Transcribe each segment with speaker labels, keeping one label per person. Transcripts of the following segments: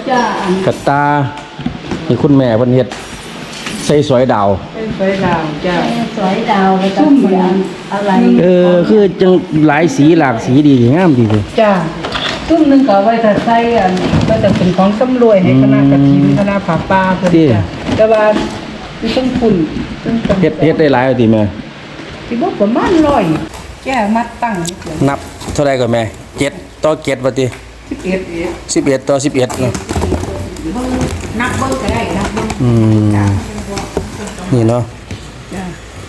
Speaker 1: จ้าก
Speaker 2: ระตานี่คุณแม่เพิ่นเฮ็ดใส่สอยดาว
Speaker 1: เป็นสวยดาวจ้า
Speaker 3: สวยดาวแล้วก็เสียงอะไร
Speaker 2: คือจังหลายสีหลากสีดีงามดีเลย
Speaker 1: จ้าตุ้มหนึงก็เอาไว้ถ้าใส่ก็จะเป็นของสำรวยให้คณะกฐินคณะผาป่าเพิ่นจ้ะแต่ว่ามีต้องคุณต้อง
Speaker 2: เฮ็ดได้หลายเอาติแม่
Speaker 1: สิบ่ประมาณ100แก้มัดตั้งนี่เพิ่น
Speaker 2: นับเท่าไรก่อนแม่7ต่อ7ว่าติ
Speaker 1: 11
Speaker 2: 11ต่อ11เนาะ
Speaker 1: นับเบิ่งก็ได้นับเบิ่ง
Speaker 2: นี่เนาะ
Speaker 1: จ้า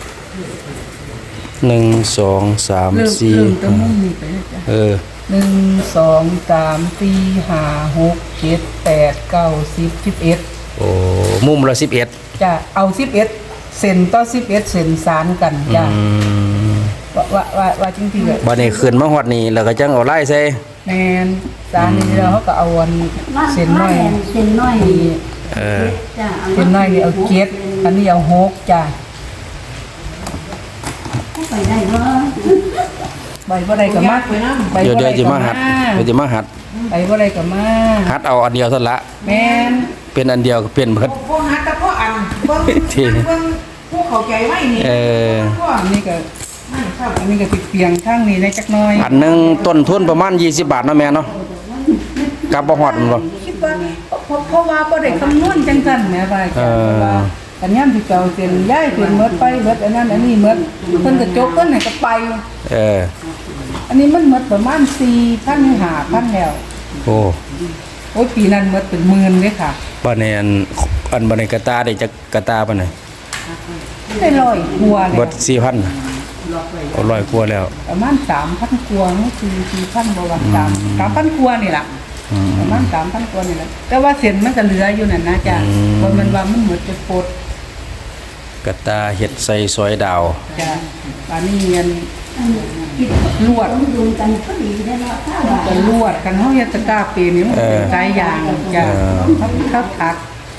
Speaker 2: 1 2 3
Speaker 1: เริ่ม
Speaker 2: 4
Speaker 1: ตรงมุมนี้ไปนะจ้ะ 1 2 3 4 5 6 7 8 9 10 11
Speaker 2: โอ้มุมละ11
Speaker 1: จ้ะเอา11เซนต่อ11เซนสารกันจ้ะว่าจริงๆเลย
Speaker 2: บัดนี้ขึ้นมาฮอดนี่แล้วก็จังเอาลายใส่
Speaker 1: แมนสารนี่แล้วเขาก็เอาเซนน้อย
Speaker 3: เส้นน้อย จ้า
Speaker 1: เซนน้อยนี่เอา7อันนี้เอา6จ้ะ
Speaker 3: ไปได้เนาะ
Speaker 1: ใบบ่ได้ก็มาใบ
Speaker 2: เดี๋ยว
Speaker 1: บ่ได้
Speaker 2: จะ
Speaker 1: ก็
Speaker 2: มา
Speaker 1: มา
Speaker 2: หัดเดี๋ยวจะมาหัด
Speaker 1: ใบบ่ได้ก็มา
Speaker 2: หัดเอาอันเดียวเท่านั้นละ
Speaker 1: แมน
Speaker 2: เป็นอันเดียวก็เปลี่ยนเบิด
Speaker 4: พวกฮัตแต่พวกอันเบิ่ง
Speaker 2: ที่
Speaker 4: เบิ่งพวกเขาใจไว้นี่ พวก
Speaker 1: อันนี้ก็
Speaker 4: นั่นครับ
Speaker 1: อันนี้ก็สิเปียงข้างนี้ได้จักหน่อย
Speaker 2: อันหนึงต้นทุนประมาณ20 บาทเนาะแม่เนาะกลับบ่ฮอดมันบ่
Speaker 1: คิดว่าเพราะว่าบ่ได้คำนวณจังซั่นแหมว่าจ้ะเพราะว่าอันยามที่เก่าเส้นย้ายเส้นหมดไปเบิดอันนั้นอันนี้หมดเพิ่นก็จกเพิ่นให้ก็ไป อันนี้มันหมดประมาณ4,000 5,000แล้ว
Speaker 2: โอ้
Speaker 1: โอ้ยปีนั้นหมดเป็นหมื่นเลยค่ะ
Speaker 2: บัดนี้อันบัดนี้กระตาได้จักกระตาปานใด
Speaker 1: ได้100กว่าแล้
Speaker 2: เบิ
Speaker 1: ว
Speaker 2: ด 4,000เอา100กว่าแล้ว
Speaker 1: ประมาณ 3,000 กว่าคือ4,000บ่ว่า3,000 กว่านี่ล่ะประมาณ 3,000 กว่านี่ล่ะแต่ว่าเส้นมันก็เหลืออยู่นั่นนะจ้ะเพราะมันว่ามันหมดจะปด
Speaker 2: กระตาเฮ็ดใส่ซอยดาว
Speaker 1: จ้ะอันนี้เงินลวด
Speaker 3: ดูกันก็ดีได้เนาะถ้าว่า
Speaker 1: กันลวดกันเฮาเฮ็ดตะกร้าปีนี่มันเป็นสายยางจ้ะเขาถัก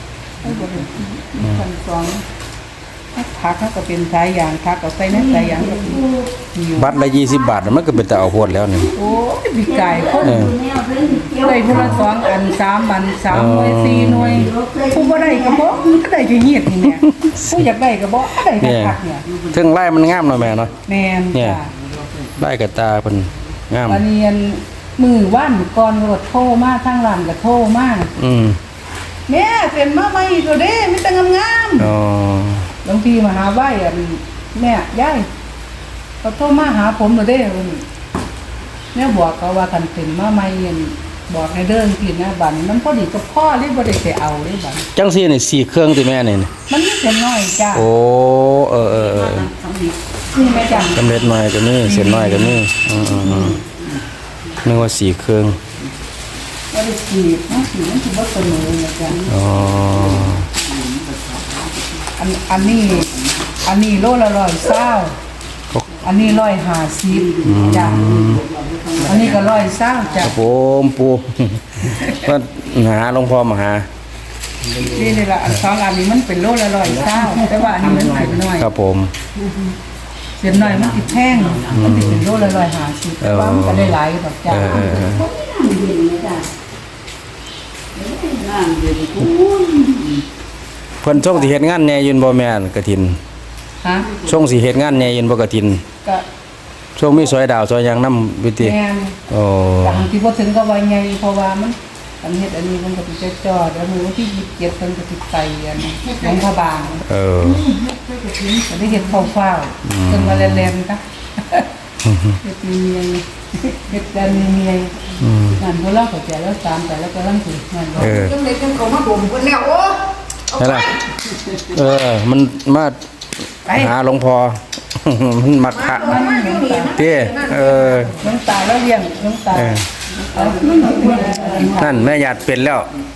Speaker 1: ขั้นสองถักเขาก็เป็นสายยางถักเอาใส่ในสายยางก็อยู่
Speaker 2: บัตรละ20 บาทมันก็เป็นตาเอาโพดแล้วนี่
Speaker 1: โอ้ยพี่ไก่คน
Speaker 3: แนวเพิ่นเกี่ยว
Speaker 1: ได้ผู้ละ2อัน3อัน3หน่วย4หน่วยผู้บ่ได้ก็บ่ก็ได้จะเฮ็ดนี่แหละผู้อยากได้ก็บ่ได้ก็
Speaker 2: เนี่ย
Speaker 1: ถักเนี่ย
Speaker 2: ถึงลายมันงามเนาะแม่เนาะ
Speaker 1: แม่น
Speaker 2: เนี่ย
Speaker 1: จ้ะ
Speaker 2: ลายกระตาเพิ่นงาม
Speaker 1: วันนี้มือว่านก่อนรถโทรมาทางร้านก็โทรมา แม่เซ็นมาใหม่ตัวเด้มีแต่งาม
Speaker 2: อ๋อ
Speaker 1: ๆบางทีมาหาไหว้แม่ยายเขาโทรมาหาผมตัวเด้วันนี้แม่บอกเขาว่าคันเซ็นมาใหม่บอกให้เดินกินนะบัดนี้มันพอดีกับพ่อเลยบ่ได้ไปเอาเลยบัดนี้
Speaker 2: จังซี่นี่4เครื่องติแม่นี่
Speaker 1: มันมีเส้นน้อยจ้า
Speaker 2: โอ้
Speaker 1: นี่แม่จัง
Speaker 2: สำเร็จหน่อยก็นี่เส้นน้อยก็นี่นึกว่า4เครื่อง
Speaker 1: บ่ได้ขีดมันขีดมันสิบ่เสมอนะจ้ะ
Speaker 2: อ๋อ
Speaker 1: อันนี้โลละ120อันนี้150จ้ะอันนี้ก็120จ้ะ
Speaker 2: ผมปู ก็หาหลวงพ่อมาหา
Speaker 1: นี่ล่ะอัน2อันนี้มันเป็นโลละ120แต่ว่าอันนี้มันเป็นน้อย
Speaker 2: ครับผม
Speaker 1: เสียน้อยมันสิแพงมันสิเป็นโลละ150แต่ว่ามันก็ได้หลายดอกจ้ะ
Speaker 2: เพิ่นช่วงสิเฮ็ดงานแหน่ยืนบ่แม่นกฐิน
Speaker 1: ฮะ
Speaker 2: ช่วงสิเฮ็ดงานแหน่ยืนบ่กฐิน
Speaker 1: ก็
Speaker 2: ช่วงมีซอยดาวซอยหยังนำวิติ
Speaker 1: แม่น
Speaker 2: โอ้
Speaker 1: แต่บางทีบ่ถึงก็ว่าใหญ่เพราะว่ามันอันเฮ็ดอันนี้มันก็สิจอดแล้วมื้อวันที่27เพิ่นก็สิไปอันหลวงพระบาง ก็ได้เฮ็ดฟ้าวๆจนมาแล่นๆจ้ะเฮ็ดมีเมียเฮ็ดกันมีเมียนั่นบ่เล่าเข้าใจแล้วตามไปแล้วก็ลังสินั่นบ่
Speaker 4: จังได๋จังเขามาบ่มเพิ่นแล้วโอ้เอา
Speaker 2: นั่น
Speaker 4: ไป
Speaker 2: ล่ะมันมาหาหลวงพ่อ มันมักพระ
Speaker 4: มาอยู่นี่นะ
Speaker 2: เต้
Speaker 1: หลวงตาแล้วเลี้ยงหลวงตา
Speaker 2: นั่นแม่ญาติเป็นแล้ว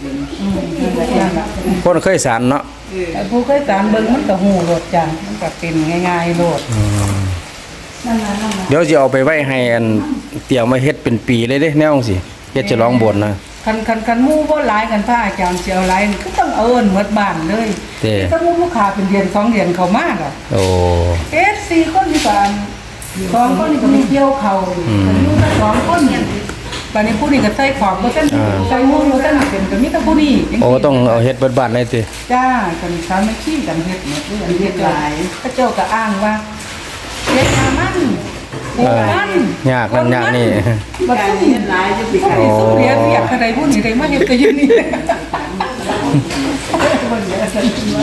Speaker 2: คนเคยสารเนาะ
Speaker 1: แต่ผู้เคยตามเบิ่งมันก็ฮู้โลดจ้ะมันก็เป็นง่ายๆโลด
Speaker 2: เดี๋ยวสิเอาไปไว้ให้อันเตี่ยวมาเฮ็ดเป็นปีเลยเด้แนวจังซี่เฮ็ดฉลองโบสถ์นะ
Speaker 1: คันหมู่บ่หลายกันพระอาจารย์สิเอาหลายนี่ก็ต้องเอาเอิ้นหมดบ้านเลย
Speaker 2: เต้
Speaker 1: ถ้าหมู่ลูกค้าเป็นเดือน2เดือนเข้ามาก็
Speaker 2: โอ้
Speaker 1: 4คนนี่ก็2คนนี่ก็ไปเกี่ยวเขาอยู่กัน2คนเนี่ยบัดนี้ผู้นี้ก็ใส่ของบ่ทันใส่หมู่บ่ทันเป็นก็มีแต่ผู้นี่จัง
Speaker 2: โอ้
Speaker 1: ซี่
Speaker 2: ต้องเอาเฮ็ดเบิดบ้านเลยติ
Speaker 1: จ้ากันสามัคคีกันเฮ็ดหมดเลยอันเฮ็ดหลายพระเจ้าก็อ้างว่าเฮ็ดมามันปลูกมัน
Speaker 2: ยากนั่นยากนี่
Speaker 1: บ่ต้องเฮ็ดหลายจะสิใครสุเรียเรียกใครผู้นี้ได้มาเฮ็ดก็อยู่นี่บ่เหลือสันติว่า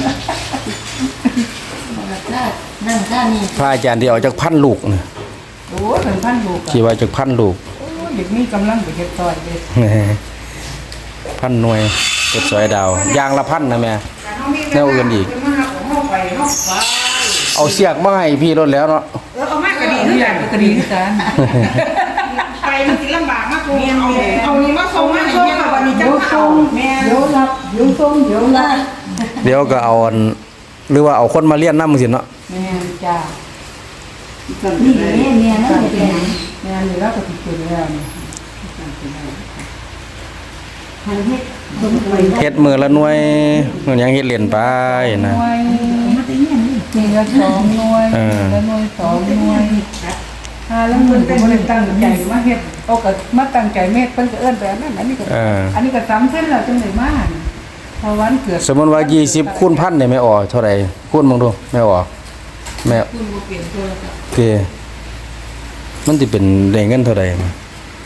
Speaker 3: นั่นก็นี่
Speaker 2: พระอาจารย์ที่เอาจากพันลูกน่ะ
Speaker 1: โอ้ยเป็นพันลูก
Speaker 2: ที่ว่าจากพันลูก
Speaker 1: โอ้ยเด็กมีกำลังไปเฮ็ดซอยเด้
Speaker 2: พันหน่วยเฮ็ดสอยดาวอย่างละพันนะแม่ แนวอื่นอีก เอาเสียกมาให้พี่รถแล้วเนาะ
Speaker 4: เอามากก็ดี
Speaker 1: นี่
Speaker 4: นี่
Speaker 1: อ
Speaker 4: แห
Speaker 1: ยา
Speaker 4: ละ
Speaker 1: กก็ดีคือกัน
Speaker 4: ไปมันสิลำบากมากกูเอานี่มาส่งมาให้เนี่ยวันนี้จะเอาแม่
Speaker 3: เดี๋ยวรับเดี๋ยวส่งเดี๋ยวรับ
Speaker 2: เดี๋ยวก็เอาอันหรือว่าเอาคนมาเรียนนำจังซี่เนาะ
Speaker 1: แม่นจ้า
Speaker 3: นี่เมียนั่นเห็น
Speaker 1: แม่นนี่แล้วก็สิเป็นแล้วนี่
Speaker 3: ทางเฮ็ดสมไป
Speaker 2: เฮ็ดมือละหน่วยมันยังเฮ็ดเล่นไปนะ
Speaker 1: หน่วย
Speaker 3: มาแต่เนี่ยนี่
Speaker 1: มีละ2หน่วยละหน่วย2หน่วยแล้วเพิ่นก็บ่ได้ตั้งใจมาเฮ็ดเอาก็มาตั้งใจเม็ดเพิ่นก็เอิ้นไปอันนั้นอันนี้ก็อันนี้ก็สำเร็จแล้วจังได๋มาเพราะวันเกิด
Speaker 2: สมมุติว่า20คูณ1,000นี่แม่ออกเท่าใดคูณมึงดูแม่ออกแม่
Speaker 4: คุณบ่เปลี่ยนตัวแล้ว
Speaker 2: โอเคมันสิเป็นได้เงินเท่าใดมา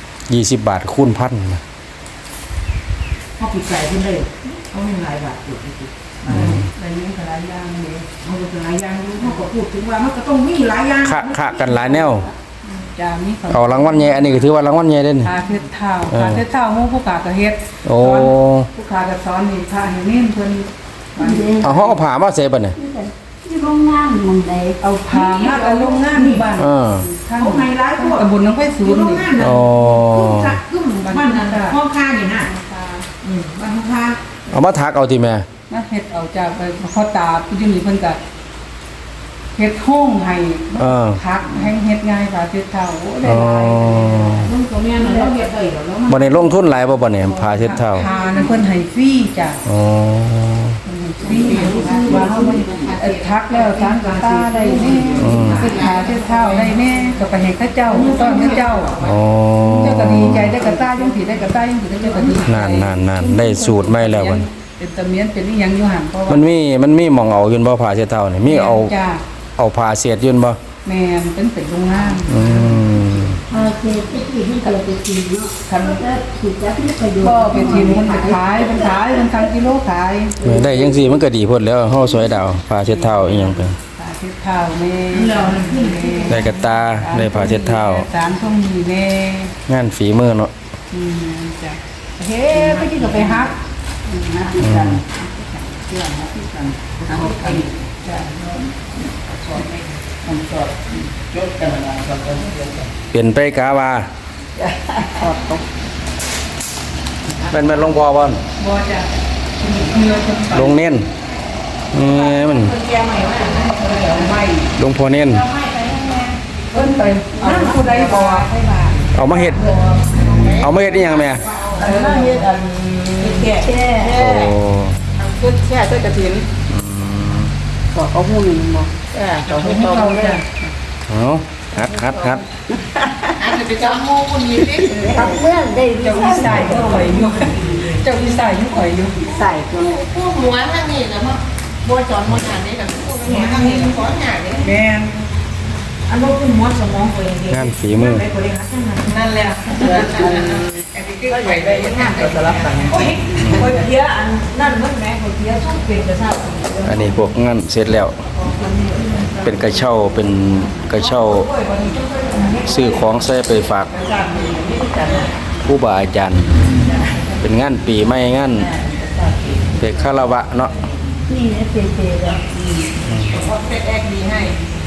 Speaker 2: 20 บาทคูณ1,000นะ
Speaker 4: เขาปิดใจขึ้นเลยเขามีหลายบาทอยู่ที่
Speaker 1: อะไรนี้ก็หลายอย่างนี่
Speaker 4: เขาก็หลายอย่างอยู่เขาก็พูดถึงว่ามันก็ต้องมีหลายอย่าง
Speaker 2: คะกันหลายแนว
Speaker 1: จ้ามี
Speaker 2: เอารางวัลใหญ่อันนี้ก็ถือว่ารางวัลใหญ่เด้นี่
Speaker 1: พาเฮ็ดเท้าพาเฮ็ดเท้าหมู่ผู้กาก็เฮ็ด
Speaker 2: โอ้
Speaker 1: ผู้กาก็สอนนี่พาให้เน้นเพิ่น
Speaker 2: เอาเฮาเอาผ้ามาใส่บัดนี่
Speaker 3: ที่โรงงานมึงใด
Speaker 1: เอาพามาเอาโรงงานบ้าน
Speaker 2: เออ
Speaker 1: ท่าน
Speaker 4: เขาไฮไลท์พวก
Speaker 1: ตำบลหนองไผ่สู
Speaker 4: อยู่
Speaker 1: ง
Speaker 4: โรง
Speaker 1: นี่
Speaker 4: งานนะ
Speaker 2: อ๋อ
Speaker 4: ขึ้นบ้านนั้นห้องค่านี่นะบ้านห้องค่า
Speaker 2: เอามาถักเอาติแม่
Speaker 1: มาเฮ็ดเอาจากไปพ่อตาผู้อยู่นี่เพิ่นก็เฮ็ดห้องให้
Speaker 2: เออ
Speaker 1: พักแห่งเฮ็ดง่ายกว่าเฮ็ดเท้าโอ้ได้
Speaker 2: อ๋อ
Speaker 1: หลาย
Speaker 4: ลุงตัวเนี้ยเราเฮ็ดได้แล้ว
Speaker 2: บ่ได้ลงทุนหลายบ่บัดนี้ผ้าเช็ดเท้า
Speaker 1: พานั้นเพิ่นให้ฟรีจ้ะ
Speaker 2: อ๋อ
Speaker 1: ฟรีว่าเฮามันทักแล้วทางกตาได้แน่เป็นขาเฮ็ดเท้าได้แน่ก็ไปให้เขาเจ้าต้อนเขาเจ้า
Speaker 2: อ๋อ
Speaker 1: เจ้าก็ดีใจได้กระต้ายังสิได้กระต้ายังสิได้เจ้าก็ดีใจ
Speaker 2: นั่นได้สูตรใหม่แล้วบัด
Speaker 1: เป็นตะเมียนเป็นอีหยังอยู่หั่นเพราะว่า
Speaker 2: มันมีหม่องเอาอยู่บ่ผ้าเช็ดเท้านี่มีเอา
Speaker 1: จ้า
Speaker 2: เอาผ้าเสียดอยู่บ่
Speaker 1: แม่นเป็นโรงงาน
Speaker 2: อืม
Speaker 3: เออเฮ็ดที่ที่เราไปกินเนาะ
Speaker 1: คัน
Speaker 3: ก็ถูกจับที่ประโยชน์
Speaker 1: ก็ไปทีมมันขายมันขายมันทางกิโลขาย
Speaker 2: ได้จังซี่มันก็ดีพุ่นแล้วเฮาสวยดาวผ้าเช็ดเท้าอีหยังเป็น
Speaker 1: ขายเฮ็ดข้าวแม่
Speaker 2: ได้กระตาได้ผ้าเช็ดเท้า
Speaker 1: สารส้มมีแม่
Speaker 2: งานฝีมือเนาะ
Speaker 1: จ้ะเฮ้ไปกินก็ไปฮักนะที่กันเชื่อนะที่กันฮักกันจ้ะมันสอดจดกันนะสอดกัน
Speaker 2: เปลี่ยนไปกาว่า
Speaker 1: ถอดตก
Speaker 2: เป็นแม่นหลวงพ่อบ่น
Speaker 1: บ่จ้ะเนื้อคน
Speaker 2: หลวงเน้นมัน
Speaker 4: แกใหม่ว่า
Speaker 1: ไม่
Speaker 2: หลวงพ่อเน้น
Speaker 1: เพิ่นไปนั่นผู้ใดบ่ให้มา
Speaker 2: เอามาเฮ็ดอีหยังแม่
Speaker 1: อันนั้นเฮ็ดอันแก่แก่
Speaker 2: โอ้
Speaker 1: ขึ้นแค่ใส่กระถินก็เอาหูนึงบ่ก็ให้เขาจ้ะ
Speaker 2: เอาฮัด
Speaker 4: อาจจะไปจำโมคนนี้ดิ
Speaker 3: ทำเมื่อได้
Speaker 1: เจ้าวิสัยอยู่ข่อยอยู่เจ้าวิสัยอยู่ข่อยอยู่
Speaker 3: ใส่ตัว
Speaker 4: ผู้หมวนทางนี้แล้วมั้งบัวจอนบัวหางนี่กับผู้หมวนทางนี้กับขอหางนี่
Speaker 1: แม่น
Speaker 4: อันนู้นคือหมวนสมองตัวเอง
Speaker 2: งานฝีมือ
Speaker 4: ไปบริหารทั้งนั้น
Speaker 1: นั่นแหละ
Speaker 4: อันนี้คือไปได้ยังไงก็สลับกันโอ้ยคนเพี้ยอันนั่นมันแม่คนเพี้ยช่องเปลี่ยนกระเช้า
Speaker 2: อันนี้พวกงานเสร็จแล้ว เป็นกระเช้าซื้อของใส่ไปฝากผู้บาอาจารย์ เป็นงานปีใหม่งานเด็กคารวะเนาะ
Speaker 3: นี่เนี่ยเปย์ๆแล้ว
Speaker 4: เป็นแอกดีให้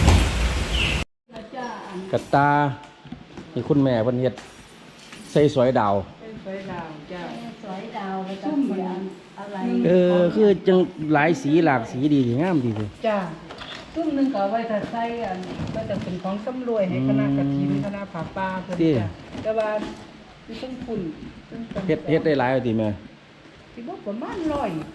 Speaker 2: กระตาที่คุณแม่เพิ่นเฮ็ดใส่สวยดาว
Speaker 1: เป็นสวยดาวจ้ะ
Speaker 3: สวยดาวแล้วก็เสียงอะไร
Speaker 2: คือจังหลายสีหลากสีดีงามดีเลย
Speaker 1: จ้ะตุ้มนึงก็เอาไว้ถ้าใส่อันก็จะเป็นของสำรวยให้คณะกฐินคณะผาป่าเพิ่นจ้ะแต่ว่ามีต้องฝุ่น
Speaker 2: เฮ็ดได้หลายเอาติแม่
Speaker 1: สิบ่ประมาณ100